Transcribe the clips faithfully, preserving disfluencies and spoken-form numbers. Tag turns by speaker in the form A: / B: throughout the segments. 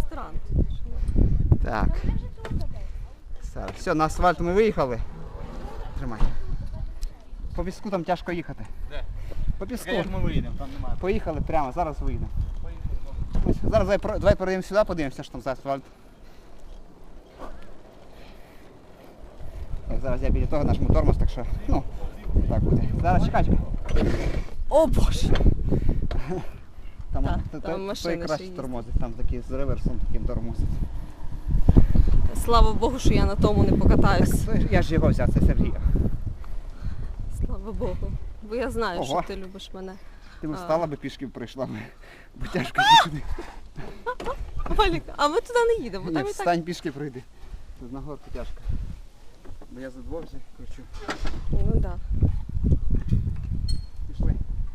A: ресторан.
B: Так. Все, на асфальт ми виїхали. Тримай. По піску там тяжко їхати.
C: Де?
B: По піску.
C: Як ми виїдемо, там немає.
B: Поїхали прямо, зараз виїдемо. Ось, зараз давай, про- давай перейдемо сюди, подивимося, що там за асфальт. Так, зараз я біля того нажму тормоз, так що, ну, так буде. Зараз чекай, чекай.
A: О боже!
B: Там,
A: Так,
B: то-
A: там
B: то-
A: машини
B: той
A: ще
B: краще
A: їздять.
B: тормозить, там такі з реверсом таким тормозить.
A: Слава Богу, що я на тому не покатаюсь.
B: Це ж- Я ж його взяв, це Сергій.
A: Слава Богу. Бо я знаю,
B: Ого.
A: що ти любиш мене.
B: Ти б
A: А.
B: встала би пішки б прийшла, б, бо тяжко їхати.
A: Валік, а ми туди не їдемо,
B: Ні,
A: там і так.
B: встань пішки прийди. Тут на горку тяжко. Бо я за двох вже кручу.
A: Ну так. Да.
B: Пішли.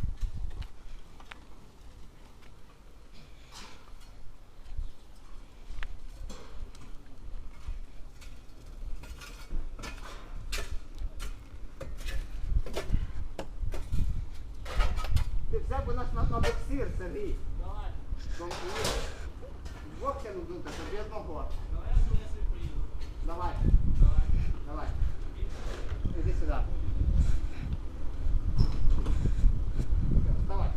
B: Ти взяв би нас на, на боксир, Сергій. Давай. Двох тягну дути, тобі одного. Давай. Давай. Давай. Іди сюди. Вставай.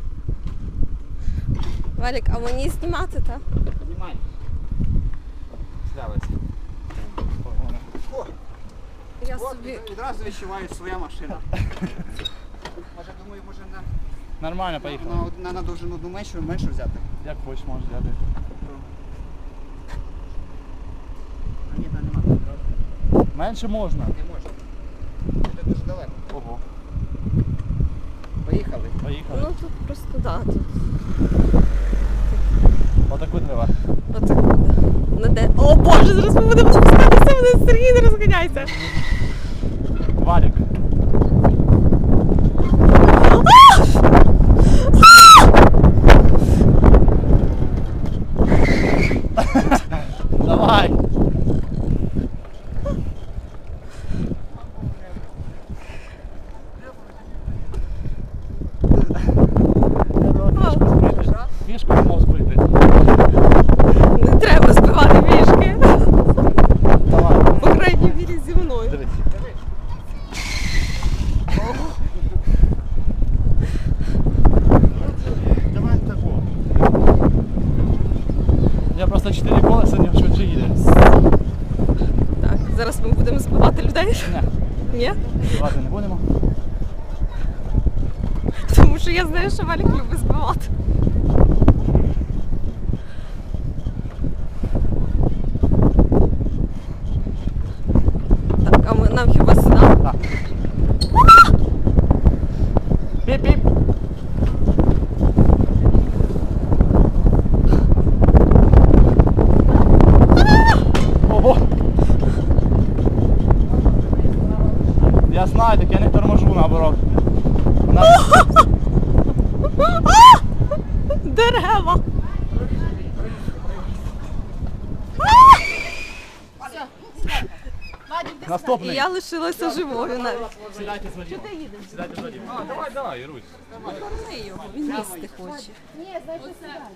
A: Валік, а мені знімати, так?
B: Знімай.
C: Слявиться.
B: О,
A: Я
B: от,
A: собі.
B: відразу відчуваю своя машина. Може, думаю, може на,
C: Нормально,
B: на,
C: поїхали.
B: на, на довжину одну меншу, меншу взяти.
C: Як хочеш, можеш взяти.
B: А ні, там нема.
C: Менше можна.
B: Не можна. Це дуже далеко.
C: Ого.
B: Поїхали.
C: Поїхали.
A: Ну тут просто да, тут.
C: Отаку треба.
A: Отак буде. На де. О боже, зараз ми будемо спускатися, мене Сергій, не розганяйся.
C: Валік. Давай. Фішку мав збити.
A: Не треба збивати пішки.
C: Давай.
A: По крайній мірі зі мною.
C: Дивись. Давай таку. Я просто чотири колеса не швидше їде.
A: Так, зараз ми будемо збивати людей.
C: Ні,
A: Ні?
C: збивати не будемо.
A: Тому що я знаю, що Валік любить збивати. Так, а ми, нам хіба сюди?
C: Так. Піп-піп. Ого. Я знаю, так я не торможу наоборот. На-
A: Дерева! І
C: Наступний.
A: я лишилася живою навіть.
C: Сідайте з водієм. Сідайте з водієм. А, давай, давай, Ірусь.
A: Корми його, він їсти хоче.